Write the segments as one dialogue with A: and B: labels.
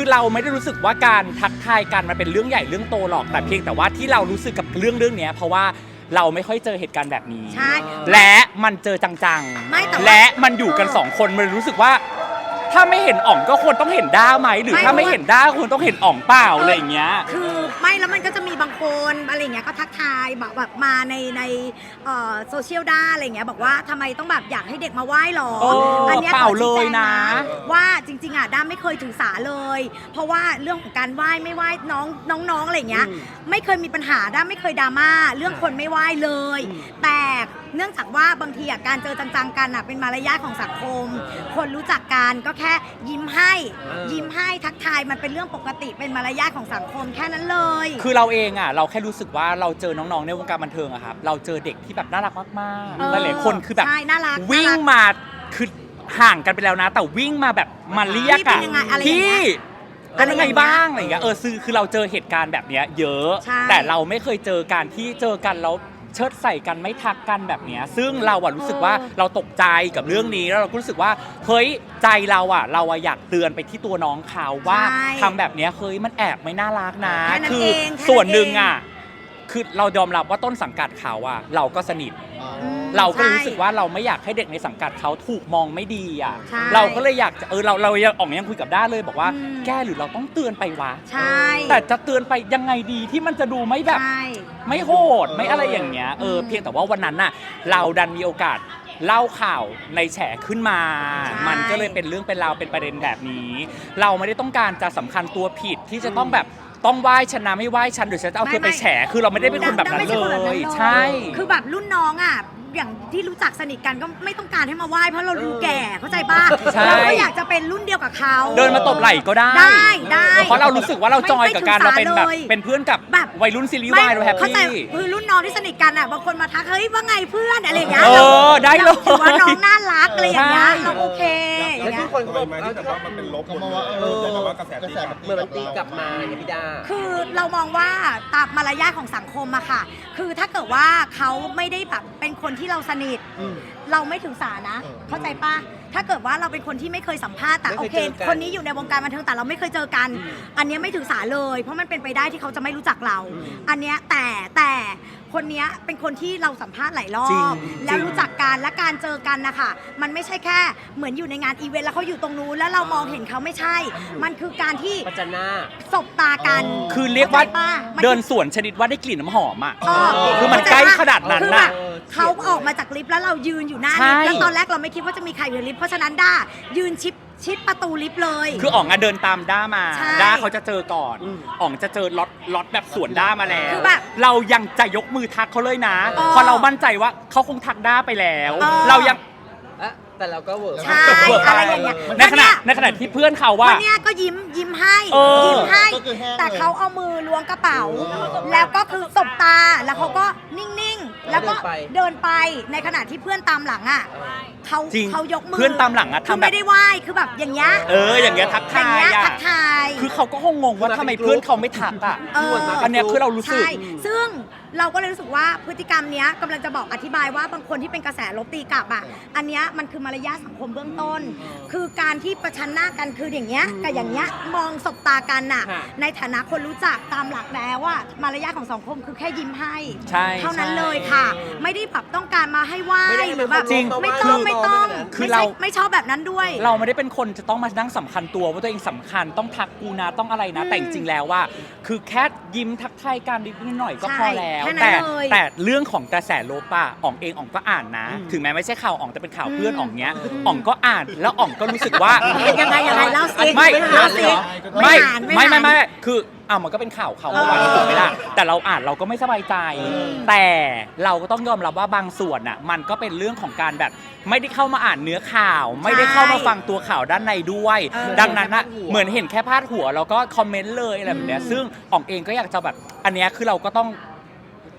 A: เราไม่ได้รู้สึกว่าการทักทายกันมันเป็นเรื่องใหญ่เรื่องโตหรอกแต่เพียงแต่ว่าที่เรารู้สึกกับเรื่องนี้เพราะว่าเราไม่ค่อยเจอเหตุการณ์แบบนี้
B: ใช่
A: และมันเจอจังๆและมันอยู่กัน2คนมันรู้สึกว่าถ้าไม่เห็นอ่องก็ควรต้องเห็นด้าไหมหรือถ้าไม่เห็นด้าควรต้องเห็นอ่องเปล่าอะไรอย่างเงี้ย
B: คือไม่แล้วมันก็จะมีบางคนอะไรเงี้ยก็ทักทายแบบมาในโซเชียลด้าอะไรเงี้ยบอกว่าทำไมต้องแบบอยากให้เด็กมาไหว้หรออันนี้
A: เปล่าเลยนะ
B: ว่าจริงๆอ่ะด้าไม่เคยถือสาเลยเพราะว่าเรื่องของการไหว้ไม่ไหว้น้องอะไรเงี้ยไม่เคยมีปัญหาด้าไม่เคยดราม่าเรื่องคนไม่ไหว้เลยแต่เนื่องจากว่าบางทีการเจอจังๆกันเป็นมารยาทของสังคมคนรู้จักกันก็แค่ยิ้มให้ทักทายมันเป็นเรื่องปกติเป็นมารยาทของสังคมแค่นั้นเลย
A: คือเราเองเราแค่รู้สึกว่าเราเจอน้องๆในวงการบันเทิงอะครับเราเจอเด็กที่แบบน่ารักมากๆหลายๆคนคือแบบวิ่งมาคือห่างกันไปแล้วนะแต่วิ่งมาแบบมาเรียกอะพี่เป็นยังไงบ้างอะไรอย่างเงี้ยคือเราเจอเหตุการณ์แบบเนี้ยเยอะแต่เราไม่เคยเจอการที่เจอกันแล้วเชิดใส่กันไม่ทักกันแบบนี้ซึ่งเรารู้สึกว่าเราตกใจกับเรื่องนี้แล้วเราก็รู้สึกว่าเฮ้ยใจเราอยากเตือนไปที่ตัวน้องเขาว่าทำแบบนี้เฮ้ยมันแอบไม่น่ารักนะคือส่วนหนึ่งคือเรายอมรับว่าต้นสังกัดเขาเราก็สนิทเราก็รู้สึกว่าเราไม่อยากให้เด็กในสังกัดเขาถูกมองไม่ดีเราก็เลยอยากจะเรายังคุยกับด้าเลยบอกว่าแก้หรือเราต้องเตือนไปวะแต่จะเตือนไปยังไงดีที่มันจะดูไม่แบบไม่โหดไม่อะไรอย่างเงี้ยเพียงแต่ว่าวันนั้นเราดันมีโอกาสเล่าข่าวในแฉขึ้นมามันก็เลยเป็นเรื่องเป็นราวเป็นประเด็นแบบนี้เราไม่ได้ต้องการจะสำคัญตัวผิดที่จะต้องแบบต้องไหว้ฉันนะไม่ไหว้ฉันหรือฉันจะเอาเธอไปแฉคือเราไม่ได้เป็นคนแบบนั้นเลยใช่
B: คือแบบรุ่นน้องอย่างที่รู้จักสนิทกันก็ไม่ต้องการให้มาไหว้เพราะเราดูแก่เข้าใจป่ะเราก็อยากจะเป็นรุ่นเดียวกับเขา
A: เดินมาตบไหล่ก็ได้เพราะเรารู้สึกว่าเราจอยกับการเราเป็นแบบเป็นเพื่อนกับวัยรุ่นซีรีส์วายเราแฮปปี้
B: คือรุ่นน้องที่สนิทกันบางคนมาทักเฮ้ยว่าไงเพื่อนอะไรอย่างเงี้ย
A: ได้เลย
B: ถือว่าน้องน่ารักอะไรอย่างเงี้ยเราโอเค
C: แล้วที่คนเขาบอกที่แต่ว่ามันเป็นลบมาว่าแต่ว่ากระแสตีกลับ
D: เหมือนมันตีกลับมาอย่างพี่ดา
B: คือเรามองว่าตามมารยาทของสังคมค่ะคือถ้าเกิดว่าเขาไม่ได้แบบเป็นคนที่เราสนิทเราไม่ถือสานะเข้าใจป่ะถ้าเกิดว่าเราเป็นคนที่ไม่เคยสัมภาษณ์แต่โอเคคนนี้อยู่ในวงการบันเทิงแต่เราไม่เคยเจอกันอันนี้ไม่ถือสาเลยเพราะมันเป็นไปได้ที่เขาจะไม่รู้จักเราอันเนี้ยแต่คนนี้เป็นคนที่เราสัมภาษณ์หลายรอบแล้วรู้จักกันและการเจอกันนะคะมันไม่ใช่แค่เหมือนอยู่ในงานอีเวนต์แล้วเขาอยู่ตรงนู้นแล้วเรามองเห็นเขาไม่ใช่มันคือการที่
D: ปัจจนา
B: สบตากัน
A: คือเรียกว่าเดินสวนชนิดว่าได้กลิ่นน้ำหอมคือมันใกล้ขนาดนั้นน่ะ
B: เขาออกมาจากลิฟต์แล้วเรายืนอยู่หน้าลิฟต์แล้วตอนแรกเราไม่คิดว่าจะมีใครอยู่ในลิฟต์เพราะฉะนั้นด้ายืนชิดประตูลิฟต์เลย
A: คืออ๋องเดินตามด้ามาด้าเขาจะเจอก่อนอ๋องจะเจอล็อตแบบสวนด้ามาแล้วเรายังจะยกมือทักเขาเลยนะพอเรามั่นใจว่าเขาคงทักด้าไปแล้วเรายัง
D: แต่เราก็เวิร์ก
B: ใช่อะไรอย่างเงี้ย
A: ในขณะที่เพื่อนเขาว่า
B: วันนี้ก็ยิ้มให้แต่เขาเอามือล้วงกระเป๋าแล้วก็คือสบตาแล้วเขาก็นิ่งๆแล้วก็เดินไปในขณะที่เพื่อนตามหลังเขายกมือ
A: เพื่อนตามหลัง
B: ทำไม่ได้ไหว้คือแบบอย่างเงี้ย
A: อย่างเงี้ยทักทายคือเขาก็คงงงว่าทำไมเพื่อนเขาไม่ทักอันเนี้ยคือเรารู้สึก
B: ซึ่งเราก็เลยรู้สึกว่าพฤติกรรมเนี้ยกำลังจะบอกอธิบายว่าบางคนที่เป็นกระแสลบตีกลับอันเนี้ยมันคือมารยาทสังคมเบื้องต้นคือการที่ประชันหน้ากันคืออย่างเงี้ยกับอย่างเงี้ยมองสบตากันในฐานะคนรู้จักตามหลักแล้วมารยาทของสังคมคือแค่ยิ้มให้เท่านั้นเลยค่ะไม่ได้แบบต้องการมาให้ไหว้หรือแบบไม่ต้องคือเราไม่ชอบแบบนั้นด้วย
A: เราไม่ได้เป็นคนจะต้องมานั่งสำคัญตัวว่าตัวเองสำคัญต้องทักกูนะต้องอะไรนะแต่จริงๆแล้วว่าคือแค่ยิ้มทักทายกันนิดหน่อยก็พอแล้วแต่เรื่องของกระแสลบอ๋องเองอ๋องก็อ่านนะถึงแม้ไม่ใช่ข่าวอ๋องแต่เป็นข่าวเพื่อนอ๋องเนี้ยอ๋องก็อ่านแล้วอ๋องก็รู้สึกว่า
B: ยังไงเล่าสิ
A: ไม่คือมันก็เป็นข่าวเมื่อวานที่ผมไม่ได้แต่เราอ่านเราก็ไม่สบายใจแต่เราก็ต้องยอมรับว่าบางส่วนมันก็เป็นเรื่องของการแบบไม่ได้เข้ามาอ่านเนื้อข่าวไม่ได้เข้ามาฟังตัวข่าวด้านในด้วยดังนั้นเหมือนเห็นแค่พาดหัวแล้วก็คอมเมนต์เลยอะไรแบบเนี้ยซึ่งอ๋องเองก็อยากจะแบบอันเนี้ยคือเราก็ต้อง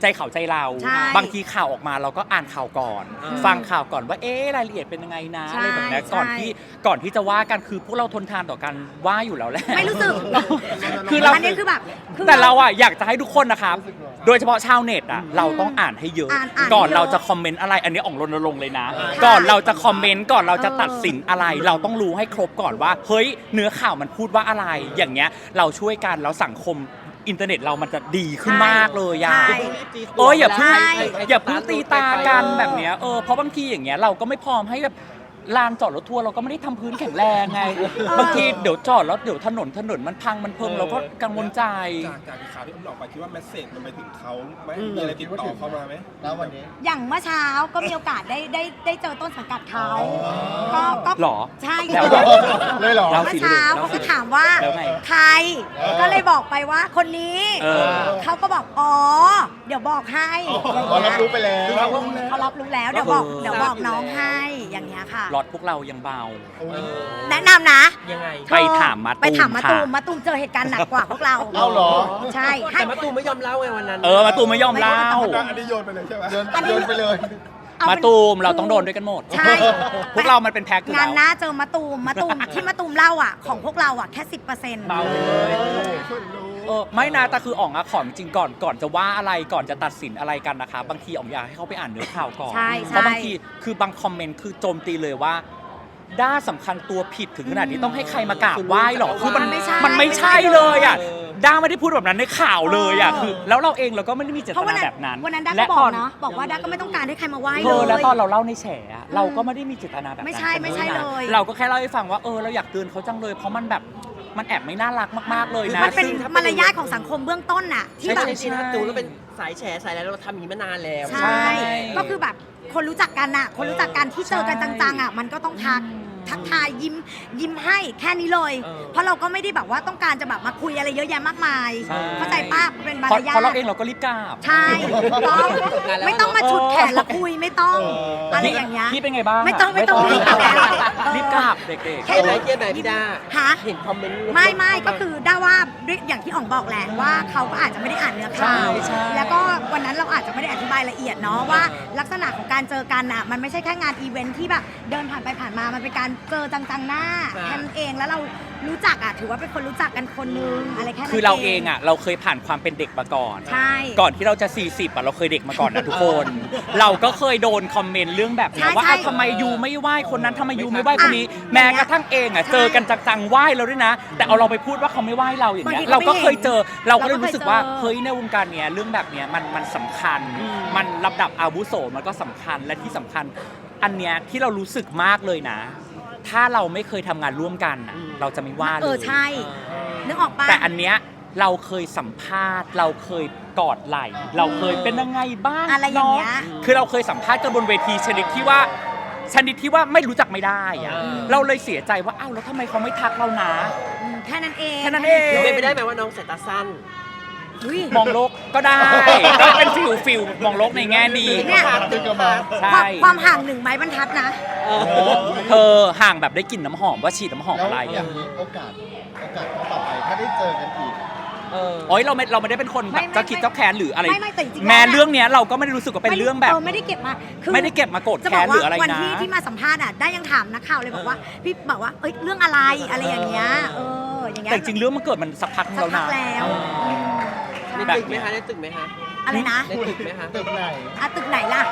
A: ใจเขาใจเรา
B: ใช่
A: บางทีข่าวออกมาเราก็อ่านข่าวก่อน ฟังข่าวก่อนว่ารายละเอียดเป็นยังไงนะ
B: ใช่
A: อะไรแบบนี้
B: ใช่
A: ก่อนที่จะว่ากันคือพวกเราทนทานต่อกันว่าอยู่แล้วแหละ
B: ไม่รู้สึก
A: คือเรา
B: อันนี้คือแบบคือ
A: แต่เราอะอยากจะให้ทุกคนนะครับ โดยเฉพาะชาวเน็ตอะเราต้องอ่านให้เยอะ
B: อ่าน
A: ก่อน
B: ให้เยอะ
A: เราจะคอมเมนต์อะไรอันนี้อ่องรณรงค์เลยนะ
B: ค่ะ
A: ก่อนเราจะคอมเมนต์ก่อนเราจะตัดสินอะไร เราต้องรู้ให้ครบก่อนว่าเฮ้ยเนื้อข่าวมันพูดว่าอะไร อย่างเงี้ยเราช่วยกันแล้วสังคมอินเทอร์เน็ตเรามันจะดีขึ้นมากเลยอะ
B: ใช่
A: อย่าเพิ่ง
B: ใช่
A: อย่าเพิ่งตีตากันแบบเนี้ยเพราะบางทีอย่างเงี้ยเราก็ไม่พร้อมให้แบบลานจอดรถทัวร์เราก็ไม่ได้ทำพื้นแข็งแรงไงบางทีเดี๋ยวจอดแล้วเดี๋ยวถนนมันพังมันเพิ่มเราก็กังวลใจ
C: จากข่าวที่ผมออกไปคิดว่าแมสเซจมันไปถึงเขาไหมมีอะไรติดต่อเข้ามาไหม
E: แล้ววันนี้
B: อย่างเมื่อเช้าก็มีโอกาสได้เจอต้นสังกัดเขาก็
A: หรอ
B: ใช่
A: แล้ว
E: เลยเหรอ
A: เรา
B: เมื่อเช้าเขาก็ถามว่า
A: แล้วไง
B: ใคร ก็เลยบอกไปว่าคนนี้ เขาก็บอกอ๋อเดี๋ยวบอกให้
E: อ๋อรับรู้ไปแล้ว
B: เขารับรู้แล้วเดี๋ยวบอกน้องให้อย่างเงี้ยค่ะ
A: รถพวกเรายังเบา
B: แนะนำนะ
D: ยังไง
A: ไปถามมาตูม
B: ไปถามมาตูม
A: ค่ะ
B: มาตูมเจอเหตุการณ์หนักกว่าพวกเรา
E: เอาเหรอ
B: ใช่ให้
D: แต่มะตูมไม่ยอมเล่าไงวันนั้น
A: มาตูมไม่ยอมเล่า
C: อันนี้โยนไปเลยใช่ไหม
E: โยนไปเลย
B: เอา
A: มา
B: เป็น
A: ตูมเราต้องโดนด้วยกันหมด
B: ใช่
A: พวกเรามันเป็นแพ็คอยู่
B: งานห
A: แล้ว
B: น้าเจอมาตูมที่มาตูมเล่าอ่ะของพวกเราอ่ะแค่ 10%
A: เบาเลยไม่นะแต่คืออ๋องอะขอจริงๆก่อนจะว่าอะไรก่อนจะตัดสินอะไรกันนะคะบางทีอ๋องอยากให้เขาไปอ่านเนื้อข่าวก่อน
B: ใช่
A: เพราะบางทีคือบางคอมเมนต์คือโจมตีเลยว่าด้าสำคัญตัวผิดถึงขนาดนี้ต้องให้ใครมากราบไหว้หรอคือมันไม่ใช่เลยอ่ะด้าไม่ได้พูดแบบนั้นในข่าวเลยอ่ะคือแล้วเราเองเราก็ไม่ได้มีเจ
B: เพ
A: ต
B: ราะวัน
A: นา
B: นั้น
A: แบบนั้น
B: วันนั้นด้า
A: และ
B: ก็บ
A: ต
B: อ
A: อก น
B: เนาะบอกว่าด้าก็ไม่ต้องการให้ใครมาไหว้
A: เธ
B: เล
A: อแล้ว
B: ย
A: ตอนเราเล่าในแฉอะเราก็ไม่ได้มีเจตนาแบบนั้น
B: ไม่ใช่ไม่ใช่
A: กัน
B: เลย
A: เราก็แค่เล่าให้ฟังว่าเราอยากเตือนเขาจังเลย เพราะมันแบบมันแอบไม่น่ารักมากๆเลยนะ
B: มันเป็น
A: ซึ่ง
B: มารยาทของสังคมเบื้องต้นน่ะที่
D: ที่
B: แบ
D: แบบ บจริงๆถ้าตูนก็เป็นสายแฉสายอะไรเราทำอย่างนี้มานานแล้ว
B: ใช่ ก็คือแบบคนรู้จักกันน่ะคนรู้จักกันที่เจอกันจังๆอ่ะมันก็ต้องทักทายยิ้มให้แค่นี้เลย เพราะเราก็ไม่ได้แบบว่าต้องการจะแบบมาคุยอะไรเยอะแยะมากมาย
A: ใช่
B: เข้าใจป้าเป็นมา
A: เพ
B: ร
A: ราะ
B: ยา
A: เพราะเรา
B: ท
A: เองเราก็รีบกราบ
B: ใช่ต้องไม่ต้องมาฉุดแขนแล้วคุยไม่ต้องอะไรอย่างเงี้ย
A: พี่เป็นไงบ้าง
B: ไม่ต้องรีบกราบแล้ว
A: รีบกราบเด็ก
B: แค่
D: เกียร์ไหนเกียร์ไหนพี่ดา
B: ฮะ
D: เห็นคอมเมนต์
B: ไม่ก็คือด้าว่าด้วยอย่างที่อ๋องบอกแหละว่าเขาก็อาจจะไม่ได้อ่านเนื้อข่าว
A: ใช่
B: แล้วก็วันนั้นเราอาจจะไม่ได้อธิบายละเอียดเนาะว่าลักษณะของการเจอกันอ่ะมันไม่ใช่แค่งานอีเวนท์ที่แบบเดินผ่านไปผ่านมามันเป็นการเจอจังๆหน้าแค่นั้นเองแล้วเรารู้จักอ่ะถือว่าเป็นคนรู้จักกันคนนึงอะไรแค่นั้น
A: คือเราเองอ่ะเราเคยผ่านความเป็นเด็กมาก่อน
B: ใช่
A: ก่อนที่เราจะ 40อ่ะเราเคยเด็กมาก่อนนะทุกคน เราก็เคยโดนคอมเมนต์เรื่องแบบนี้ว่าทำไมยูไม่ไหว้คนนั้นทำไมยูไม่ไหว้คนนี้ แม้กระทั่งเองอ่ะเจอกันจังๆไหว้เราด้วยนะ แต่เอาเราไปพูดว่าเขาไม่ไหว้เราอย่างเงี้ยเราก็เคยเจอเราก็เลยรู้สึกว่าเฮ้ยในวงการเนี้ยเรื่องแบบเนี้ยมันสำคัญ มันลำดับอาวุโสมันก็สำคัญและที่สำคัญ อันเนี้ยที่เรารู้สึกมากเลยนะ ถ้าเราไม่เคยทำงานร่วมกันน่ะเราจะไม่ว่าเลย
B: ใช่นึกออกปะ
A: แต่อันเนี้ยเราเคยสัมภาษณ์ เราเคยกอดไหล่เราเคยเป็นยังไงบ้าง
B: อะไรอย่างเงี้ย
A: คือเราเคยสัมภาษณ์กันบนเวทีชนิดที่ว่าไม่รู้จักไม่ได้อะเราเลยเสียใจว่าอ้าวแล้วทำไมเขาไม่ทักเรานะ
B: แค่นั้นเอง
A: แค่นั้นเอง
D: เป็นไปได้ไหมว่าน้องสายตาสั้น
B: อุ๊ย
A: มองโลกก็ได้ก็เป็นฟิลมองโลกในแง่ดี
B: เนี่ย
E: ตึกกระมา
A: ใช่
B: ความห่าง1 ไม้บรรทัดนะ
A: เธอห่างแบบได้กลิ่นน้ำหอมว่าฉีดน้ำหอม
E: แล้ว
A: อะไร
E: อย่า
A: อ่ะ
E: งนี้โอกาสต่อไปถ้าได้เจอกันอีก
A: โอ้ยเราไม่ได้เป็นคนแบบ
B: ไม่
A: เจ้าคิดเจ้าแค้นหรืออะไร
B: ไม่แต่จริงๆ
A: แม้
B: แล้ว
A: เรื่องเนี้ยเราก็ไม่ได้รู้สึกว่าเป็นเรื่องแบบ
B: ไม่ได้เก็บมาคือ
A: ไม่ได้เก็บมาโกรธ
B: จะบ
A: แค้
B: อก
A: นหรือ
B: ว่า
A: อะไร
B: วัน
A: นะ
B: ที่มาสัมภาษณ์อ่ะได้ยังถามนักข่าวเลยบอกว่าพี่บอกว่าเอ้ยเรื่องอะไรอะไรอย่างเงี้ยอย่างเงี้ย
A: แต่จริงๆเรื่องมันเกิดมันสักพัก
B: สัก
A: แล้ว
B: พั
A: นะ
B: กแล้ว
D: ใน
A: แบบ
D: ตึกไหมคะในตึกไหมคะ
B: อะไรนะ
D: ในตึกไหมคะ
E: ตึกไหน
B: อ่ะตึกไหนล่ะ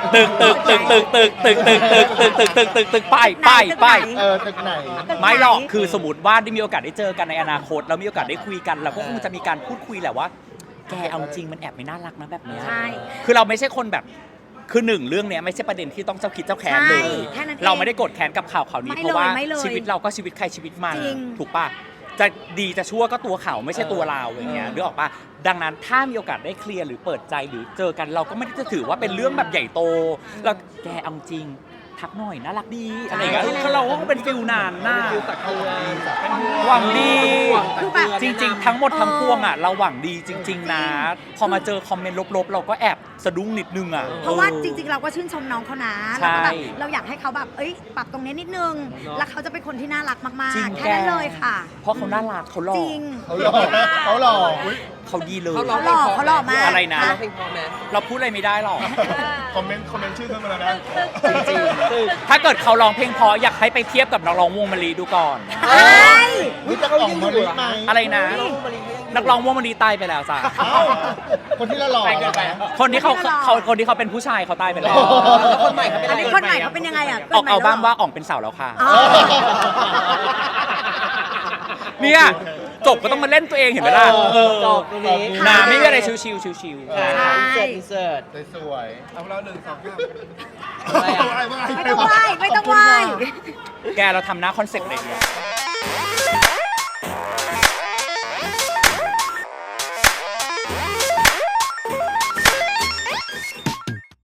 A: ตึกไป
E: ตึกไหน
A: ไม่หรอกคือสมมติว่าได้มีโอกาสได้เจอกันในอนาคตแล้วมีโอกาสได้คุยกันเราก็คงจะมีการพูดคุยแหละว่าแกเอาจริงมันแอบไม่น่ารักนะแบบเนี้ย
B: ใช่
A: คือเราไม่ใช่คนแบบคือหนึ่งเรื่องเนี้ยไม่ใช่ประเด็นที่ต้องเจ้าคิดเจ้าแค้นเลย
B: ใช่แค่นั้นเอง
A: เราไม่ได้โกรธแค้นกับข่าวนี้
B: ไม่เลย
A: เพราะว่า
B: ไม่เลย
A: ชีวิตเราก็ชีวิตใครชีวิตมัน
B: จริง
A: ถูกปะจะดีจะชั่วก็ตัวเขาไม่ใช่ตัวเราอย่างเงี้ยนึกออกปะดังนั้นถ้ามีโอกาสได้เคลียร์หรือเปิดใจหรือเจอกันเราก็ไม่ได้จะถือว่าเป็นเรื่องแบบใหญ่โตเราแกเอาจริงทักหน่อยน่ารักดีอะไรอย่างเงี้ยคือเราก็เป็นฟิลนานหน้า
D: ฟิลตักเตือน
A: หวังดี
B: คือแบบ
A: จริงๆ ทั้งหมดทั้งปวงอ่ะเราหวังดีจริง ๆ นะ พอมาเจอคอมเมนต์ลบๆ เราก็แอบสะดุ้งนิดนึงอ่ะ
B: เพราะว่าจริงๆเราก็ชื่นชมน้องเขานะ
A: ใช่
B: แล้วก็แบบเราอยากให้เขาแบบเอ้ยปรับตรงนี้นิดนึง แล้วเขาจะเป็นคนที่น่ารักมาก
A: จริง
B: ๆแค่นั้นเลยค่ะ
A: เพราะเขาน่ารักเขาหล่อ
B: จริง
E: เขาหล่ออุ๊ย
A: เขาดีเลย
D: เขาร้อง
B: เขาหล่อมาก
A: อะไรนะ
D: ร้องเพลงเพอไหม
A: เราพูดอะไรไม่ได้หรอก
E: คอมเมนต์ชื่อขึ้นมาแล้วนะ
A: จริงๆถ้าเกิดเขาร้องเพลงเพออยากให้ไปเทียบกับนักร้องวงมะลิดูก่อน
B: เอ้ย
E: รู้จักอ่องมะลิไหม
A: อะไรนะ
D: น้องมารีเขายังอยู่
A: นักร้องวงมะลิตายไปแล้วจ้ะ
E: เอ้าคนที่ละหล่อเหรอคะ
A: คนที่คนที่เขาเป็นผู้ชายเขาตายไปแล้ว
D: แล้วคนใหม่เขาเป็น
B: อั
D: อะ
B: น
D: ไร
B: นี้คนใหม่เขาเป็นยังไงอ่ะ
A: ออกเอาบ้างว่าอ่องเป็นสาวแล้วค่ะ
B: อ๋อ
A: เนี่ยจบก็ต้องมาเล่นตัวเองเห็นไหมล่ะเออ
D: จบตรงนี้
A: นาไม่มีอะไรชิวๆชิว
D: ค่ะ
B: ใช่
D: อินเสิร์ต
E: สวย
C: เอาเรา1 2
D: อะไรอ่ะ
E: ๆ
B: ไม่ต้องไหว้ไม่ต้องไหว้
A: ๆแกเราทำหน้าคอนเซ็ปต์เลยเนี่ย